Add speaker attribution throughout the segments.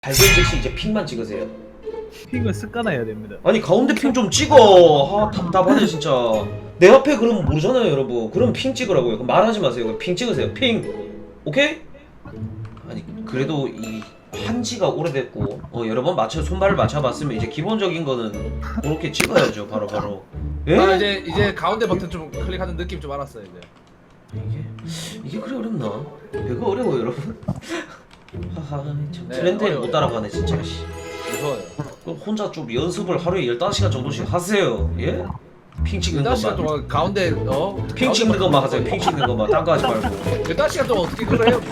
Speaker 1: 발견 즉시 이제 핑만 찍으세요.
Speaker 2: 핑을 습관화해야 됩니다.
Speaker 1: 아니 가운데 핑 좀 찍어. 아 답답하네 진짜. 내 앞에 그러면 모르잖아요 여러분. 그럼 핑 찍으라고요. 그럼 말하지 마세요. 그럼 핑 찍으세요. 핑. 오케이? 아니 그래도 이 한지가 오래됐고 여러 번 손발을 맞춰봤으면 이제 기본적인 거는 그렇게 찍어야죠 바로. 예?
Speaker 3: 아, 이제 가운데 버튼 좀 클릭하는 느낌 좀 알았어요 이제.
Speaker 1: 이게 그래 어렵나? 배가 어려워 여러분. 하하 참
Speaker 3: 네,
Speaker 1: 트렌드에
Speaker 3: 어려워요.
Speaker 1: 못 따라가네 진짜.
Speaker 3: 무서워요.
Speaker 1: 그럼 혼자 좀 연습을 하루에 15시간 정도씩 하세요. 예? 핑 찍는
Speaker 3: 15시간
Speaker 1: 것만.
Speaker 3: 동안 가운데
Speaker 1: 핑 찍는 것만 하세요. 핑 찍는 것만. 딴 거 하지 말고.
Speaker 3: 15시간 동안 어떻게 그걸 해요?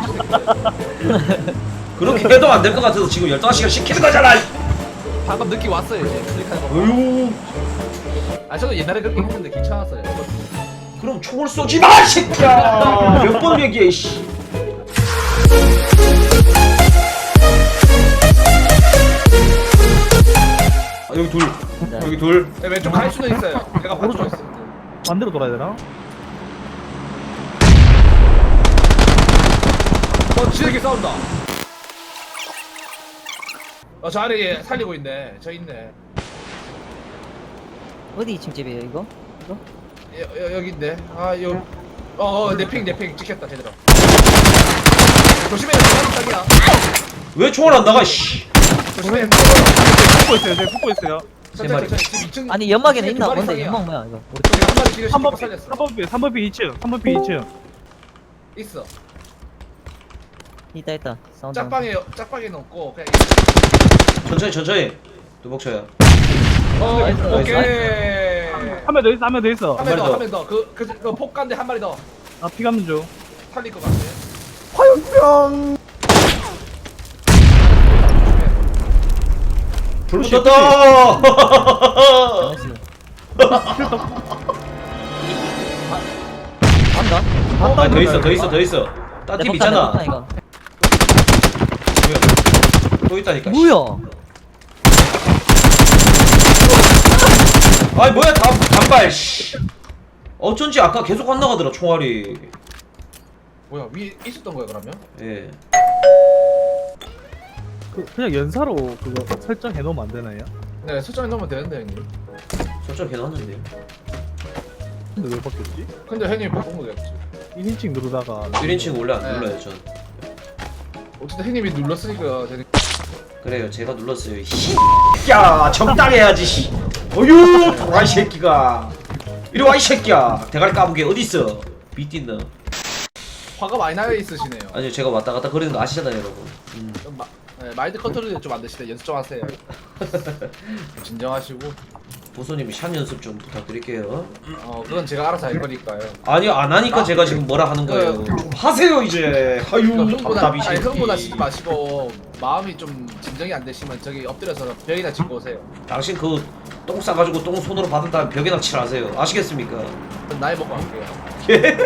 Speaker 1: 그렇게 해도 안 될 것 같아서 지금 15시간 시키는 거잖아.
Speaker 3: 방금 느낌 왔어요 이제 클릭하는 거.
Speaker 1: 어휴.
Speaker 3: 아 저도 옛날에 그렇게 했는데 귀찮았어요.
Speaker 1: 그럼 총을 쏘지 마, 새끼야. 몇 번 얘기해, 씨. 아, 여기 둘. 여기 둘.
Speaker 3: 네, 왼쪽 갈 수는 있어요. 내가 오른쪽 있어.
Speaker 2: 반대로 돌아야 되나?
Speaker 3: 지르게 싸운다. 저 아래에 살리고 있네. 저 있네.
Speaker 4: 어디 2층 집이에요 이거? 이거?
Speaker 3: 여기 있네. 내핑 찍혔다 제대로. 조심해, 자기야.
Speaker 1: 왜 총알 안 나가, 씨.
Speaker 3: 조심해.
Speaker 2: 붙고 있어요. 네, 붙고 있어요.
Speaker 3: 천천히. 지금 2층.
Speaker 4: 아니 연막에는 있나?
Speaker 3: 두 마리
Speaker 4: 뭔데
Speaker 3: 이상이야.
Speaker 4: 연막 뭐야 이거?
Speaker 3: 여기 한 마리 지금
Speaker 2: 3번
Speaker 3: 살렸어.
Speaker 2: 3번 피 2층. 3번 피 2층.
Speaker 3: 있어.
Speaker 4: 있다 사운드.
Speaker 3: 짝방에 넣고 그냥.
Speaker 1: 천천히. 두복쳐요.
Speaker 4: 나이스,
Speaker 3: 오케이.
Speaker 2: 한 명 더 있어. 한 명 더 있어.
Speaker 3: 한
Speaker 1: 마리 더.
Speaker 3: 명 더. 그 폭간데 한 마리 더
Speaker 2: 아 피 감는 중.
Speaker 3: 살릴 것 같아.
Speaker 1: 불 붙었다.
Speaker 4: 나이스.
Speaker 2: 간다.
Speaker 1: 아, 더 있어. 딴 팀 있잖아.
Speaker 4: 이거.
Speaker 1: 또 있다니까.
Speaker 4: 뭐야?
Speaker 1: 아이 뭐야 단발 씨. 어쩐지 아까 계속 안 나가더라 총알이.
Speaker 3: 뭐야 위에 있었던 거야 그러면?
Speaker 1: 예.
Speaker 2: 그냥 연사로 그거 설정해 놓으면 안 되나요?
Speaker 3: 네 설정해 놓으면 되는데 형님.
Speaker 1: 설정 해놨는데요.
Speaker 2: 근데 왜 바뀌었지?
Speaker 3: 근데 형님이 바꾼 거겠지.
Speaker 2: 1인칭 누르다가
Speaker 1: 1인칭 원래 안
Speaker 3: 네.
Speaker 1: 눌러요 전.
Speaker 3: 어쨌든 형님이 눌렀으니까 되는.
Speaker 1: 그래요 제가 눌렀어요. 야 적당히 해야지 씨. 어휴 도라이 새끼가. 이리 와 이 새끼야. 대가리 까부게 어딨어. 비띠너.
Speaker 3: 화가 많이 나여 있으시네요.
Speaker 1: 아니요 제가 왔다 갔다 거리는 거 아시잖아요 여러분.
Speaker 3: 좀 마인드 컨트롤 좀 안 되시네. 연습 좀 하세요. 진정하시고.
Speaker 1: 보소님이 샷 연습 좀 부탁드릴게요.
Speaker 3: 그건 제가 알아서 할 거니까요.
Speaker 1: 아니요 안 하니까 제가 지금 뭐라 하는 거예요. 좀 하세요 이제. 아유 답답이 새끼.
Speaker 3: 흥분하시지 마시고 마음이 좀 진정이 안 되시면 저기 엎드려서 벽이나 짚고 오세요.
Speaker 1: 당신 그 똥 싸가지고 똥 손으로 받은 다음에 벽에다 칠하세요. 아시겠습니까?
Speaker 3: 그럼 나이 먹고 갈게요.
Speaker 1: 예?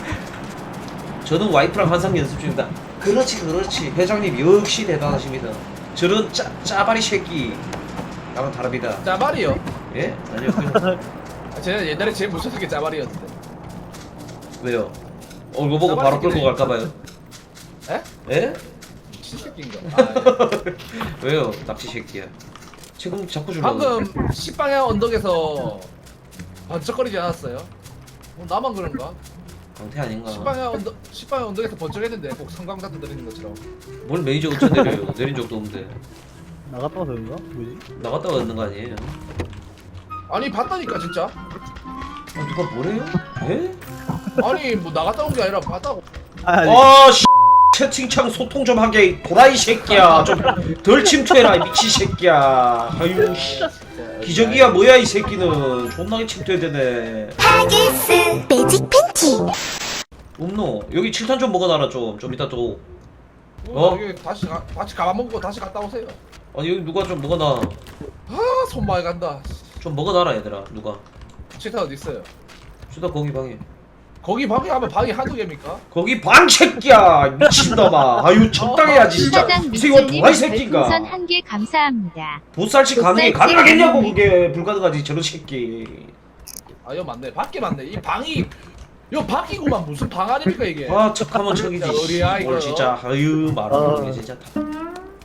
Speaker 1: 저는 와이프랑 항상 연습 중입니다. 그렇지. 회장님 역시 대단하십니다. 저런 짜바리 새끼 나랑 다릅니다.
Speaker 3: 짜발이요.
Speaker 1: 예? 아니요. 그냥
Speaker 3: 제가 옛날에 제일 무서운 게 짜발이었는데.
Speaker 1: 왜요? 이거 보고 바로 끌고 갈까봐요.
Speaker 3: 에?
Speaker 1: 예?
Speaker 3: 신새끼인가?
Speaker 1: 왜요? 납치 새끼야. 지금 자꾸 좀
Speaker 3: 방금 10방향 언덕에서 번쩍거리지 않았어요? 나만 그런가?
Speaker 1: 강태 아닌가?
Speaker 3: 10방향 언덕에서 번쩍했는데 꼭 성광탄 들리는 것처럼.
Speaker 1: 뭘 매니저 어쩌 내려요? 내린 적도 없는데.
Speaker 2: 나갔다 와서 그런가? 뭐지?
Speaker 1: 나갔다 왔는 거 아니에요?
Speaker 3: 아니 봤다니까 진짜.
Speaker 1: 누가 뭐래요? 예?
Speaker 3: 아니 뭐 나갔다 온 게 아니라 봤다고.
Speaker 2: 아니
Speaker 1: 씨 채팅창 소통 좀 하게 도라이 새끼야. 좀 덜 침투해라 이 미친 새끼야. 아유 씨. 기저귀야 뭐야 이 새끼는. 존나게 침투해야 되네.
Speaker 5: 하기스 매직 팬티
Speaker 1: 없노. 여기 칠탄 좀 먹어놔라 좀 이따 또.
Speaker 3: 여기 다시 가만 먹고 다시 갔다 오세요.
Speaker 1: 아니 여기 누가 좀 먹어놔.
Speaker 3: 손 많이 간다.
Speaker 1: 좀 먹어놔라 얘들아 누가.
Speaker 3: 치타 어디 있어요?
Speaker 1: 수다 거기 방에.
Speaker 3: 거기 방에 하면 방이 한두 개입니까?
Speaker 1: 거기 방 새끼야 미친놈아. 아유 적당해야지 진짜.
Speaker 6: 사장
Speaker 1: 이 새끼가 도라이
Speaker 6: 미칠님
Speaker 1: 새끼인가.
Speaker 6: 별풍선 한 개 감사합니다.
Speaker 1: 보살치 가능하겠냐고 그게. 불가능하지 저런 새끼.
Speaker 3: 아 이거 맞네. 밖에 맞네. 이 방이 이거 밖이구만. 무슨 방 아닙니까 이게?
Speaker 1: 아 척하면 척이지.
Speaker 3: 진짜 어리야,
Speaker 1: 뭘
Speaker 3: 이거.
Speaker 1: 진짜 아유 말하는 게 진짜.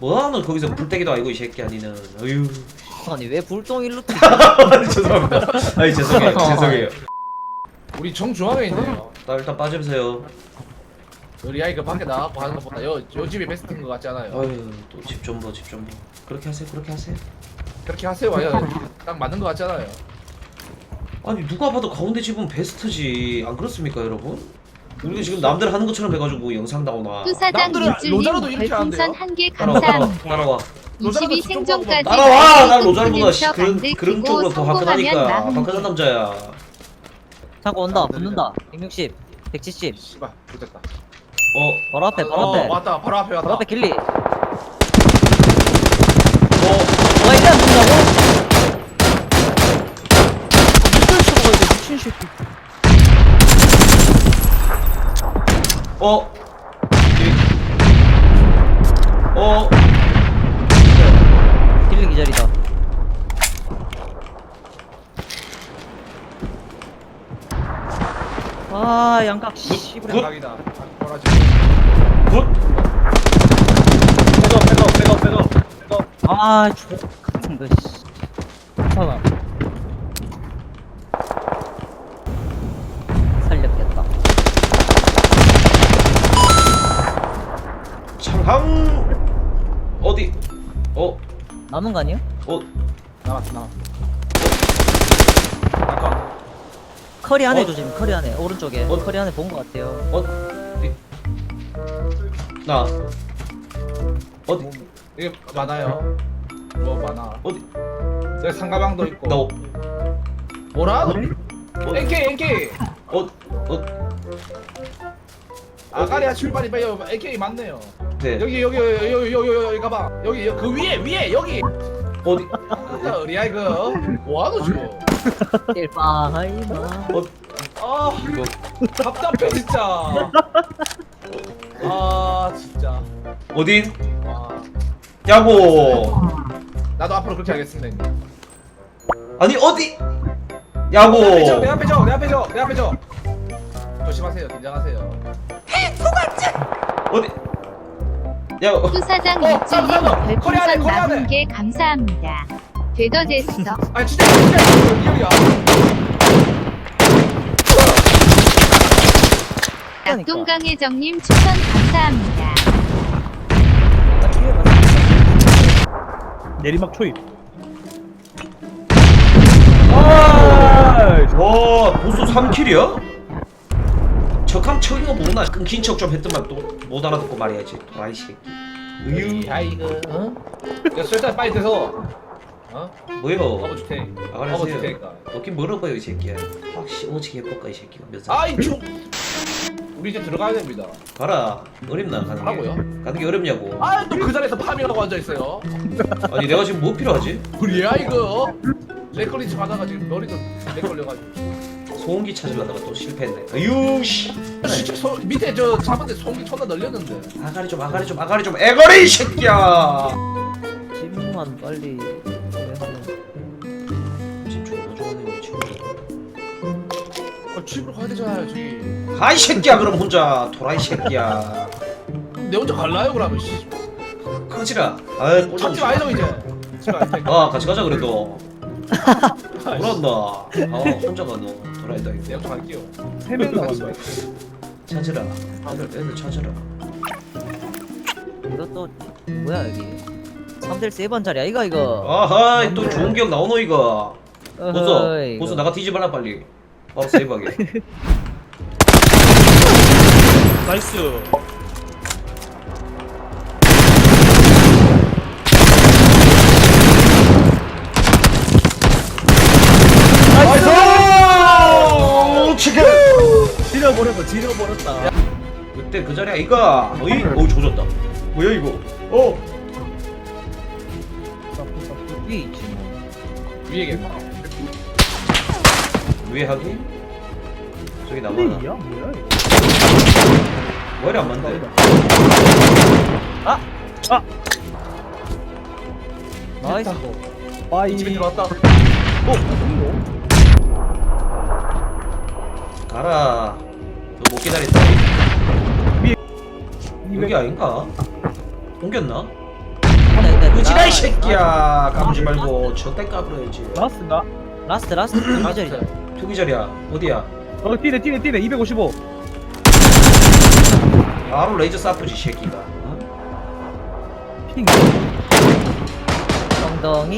Speaker 1: 뭐하노 거기서 불떼기도 아니고 이 새끼야 니는. 어휴.
Speaker 4: 아니 왜 불똥 일로 튀?
Speaker 1: 죄송합니다. 아니 죄송해요. 죄송해요.
Speaker 3: 우리 정중앙에 있네요.
Speaker 1: 일단 빠져보세요.
Speaker 3: 우리 아이 그 밖에 나가고 하는 것보다 요 집이 베스트인 것 같지 않아요?
Speaker 1: 어휴 또 집 좀 봐, 집 좀 봐. 그렇게 하세요. 그렇게 하세요.
Speaker 3: 그렇게 하세요. 와요. 딱 맞는 것 같잖아요.
Speaker 1: 아니 누가 봐도 가운데 집은 베스트지. 안 그렇습니까 여러분? 우리가 지금 남들 하는 것처럼 해가지고 영상 나오나.
Speaker 6: 투사장
Speaker 3: 남들은
Speaker 6: 밑줄님
Speaker 3: 로자로도 이렇게
Speaker 6: 별풍선
Speaker 3: 하는데요?
Speaker 6: 1개
Speaker 1: 따라와
Speaker 6: 감사합니다.
Speaker 1: 따라와.
Speaker 6: 22 생존까지
Speaker 1: 따라와. 난
Speaker 6: 마이크
Speaker 1: 로자르보다
Speaker 6: 콘텐츠
Speaker 1: 그런
Speaker 6: 만들고
Speaker 1: 쪽으로 더 화끈하니까.
Speaker 6: 성공하면
Speaker 1: 화끈한 남자야.
Speaker 4: 자꾸 온다 붙는다 160 170
Speaker 3: 씨발 붙었다.
Speaker 4: 바로 앞에 바로 앞에
Speaker 3: 왔다. 바로 앞에 왔다.
Speaker 4: 바로 앞에 길리
Speaker 1: 어.
Speaker 4: 와 이래 안 붙는다고?
Speaker 2: 이걸 쳐먹어야 돼 미친 새끼.
Speaker 1: 어. 어.
Speaker 4: 길리 기절이다 아 양각 씨부려
Speaker 1: 굿.
Speaker 3: 각이다. 뭐라지?
Speaker 1: 굿.
Speaker 2: 백업.
Speaker 4: 아 같은 거 씨.
Speaker 2: 괜찮아.
Speaker 4: 살렸겠다
Speaker 1: 창항. 어디?
Speaker 4: 남은 거 아니야?
Speaker 3: 나왔어. 아까
Speaker 4: 커리 안에
Speaker 1: 어?
Speaker 4: 조심 커리 안에 오른쪽에
Speaker 1: 어?
Speaker 4: 커리 안에 본 거 같아요
Speaker 1: 나. 어디?
Speaker 3: 이게 많아요. 뭐 많아.
Speaker 1: 어디?
Speaker 3: 여기 상가방도 있고.
Speaker 1: 나.
Speaker 3: 뭐라? NK.
Speaker 1: 어.
Speaker 3: 아까리아 출발이 빨리 AK 맞네요.
Speaker 1: 네.
Speaker 3: 여기 가봐. 여기 그 위에 여기.
Speaker 1: 어디?
Speaker 3: 우리 아이 그 뭐하노 지금?
Speaker 4: 일파하이마
Speaker 3: 아
Speaker 1: 이거.
Speaker 3: 답답해 진짜. 아 진짜.
Speaker 1: 어디?
Speaker 3: 와.
Speaker 1: 야구.
Speaker 3: 나도 앞으로 그렇게 하겠습니다.
Speaker 1: 아니 어디? 야구.
Speaker 3: 내 앞에 줘. 조심하세요. 긴장하세요.
Speaker 1: 어디? 야구.
Speaker 6: 투사장
Speaker 3: 어,
Speaker 6: 밑줄님
Speaker 3: 잠깐만. 거리 안에,
Speaker 6: 별풍선
Speaker 3: 거리 안에.
Speaker 6: 40개 감사합니다. 되더됐어.
Speaker 3: 아 진짜 리얼이야.
Speaker 6: 낙동강혜정님 추천 감사합니다.
Speaker 2: 내리막 초입.
Speaker 1: 와 보수 3킬이야? 척함 척인 거 보고 나 끊긴 척 좀 했더만 또 못 알아듣고 말해야지 도라이 새끼. 으유.
Speaker 3: 아이고. 어? 야 술잔 빨리 드서. 어?
Speaker 1: 뭐요?
Speaker 3: 먹어줄 테니. 먹어줄
Speaker 1: 알았어요.
Speaker 3: 테니까.
Speaker 1: 먹긴 멀어봐요 이 새끼야. 확실히 오지게 해볼까 이 새끼가 몇 살?
Speaker 3: 아이 좀. 우리 이제 들어가야 됩니다.
Speaker 1: 가라. 어렵나 가는 게?
Speaker 3: 가라고요?
Speaker 1: 가는 게 어렵냐고.
Speaker 3: 아 또 그 자리에서 파밍하고 앉아 있어요.
Speaker 1: 아니 내가 지금 뭐 필요하지?
Speaker 3: 우리 아이고. 렉 걸리지 받아가지고 머리도 렉 걸려가지고.
Speaker 1: 소음기 찾으려다가 또 실패했네. 아유 씨.
Speaker 3: 진짜 밑에 저 잡은데 송기 존나 널렸는데.
Speaker 1: 아가리 좀 애거리 이 새끼야.
Speaker 4: 집만 빨리 하면
Speaker 1: 지금 존나 좋아하네 우리 친구.
Speaker 3: 집으로 가야 되잖아요 저기.
Speaker 1: 가이 새끼야 그럼 혼자 도라이 새끼야.
Speaker 3: 내 혼자 갈라요 그러면 씨.
Speaker 1: 꺼지라. 아이 꼴
Speaker 3: 잡지 말죠 이제. 집에 갈 테니까.
Speaker 1: 아 같이 가자 그래도. 뭐란다. 혼자 가 너. 도라이다
Speaker 3: 내
Speaker 1: 이거.
Speaker 3: 혼자 갈게요.
Speaker 2: 3명 남았네.
Speaker 1: 찾으라. 애들 찾으라.
Speaker 4: 이것도 뭐야 여기 3대 3번짜리야 이거
Speaker 1: 아하이 또 좋은 기억 나오노 이거. 보소
Speaker 4: 어허이,
Speaker 1: 보소
Speaker 4: 이거.
Speaker 1: 나가 뒤집어라 빨리. 바로 세이브하게.
Speaker 2: 나이스.
Speaker 1: 나이스! 치킨!
Speaker 2: 지려버렸다.
Speaker 1: 그때 그 자리야 이거. 어이? 어우 조졌다. 뭐야 이거?
Speaker 4: 위에 있지 뭐
Speaker 3: 위에겠다.
Speaker 1: 위에 하기? 저기 남아나.
Speaker 2: 플레이야? 뭐야 이거?
Speaker 1: 머리 안 맞네.
Speaker 4: 나이스
Speaker 2: 빠이.
Speaker 3: 집에 들어왔다.
Speaker 1: 가라. 너 못 기다렸다. 여기 아닌가? 옮겼나? 뭐야 이 새끼야. 까불지 말고 저때 까불어야지.
Speaker 2: 라스인가?
Speaker 4: 라스트 기절이죠.
Speaker 1: 투기절이야. 어디야?
Speaker 2: 뛰네 255.
Speaker 1: 바로 레이저 쏴쁘지 새끼가. 어?
Speaker 2: 핑.
Speaker 4: 엉덩이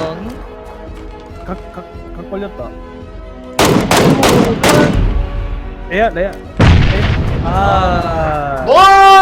Speaker 2: 각 걸렸다. 레아. 아.
Speaker 1: 와!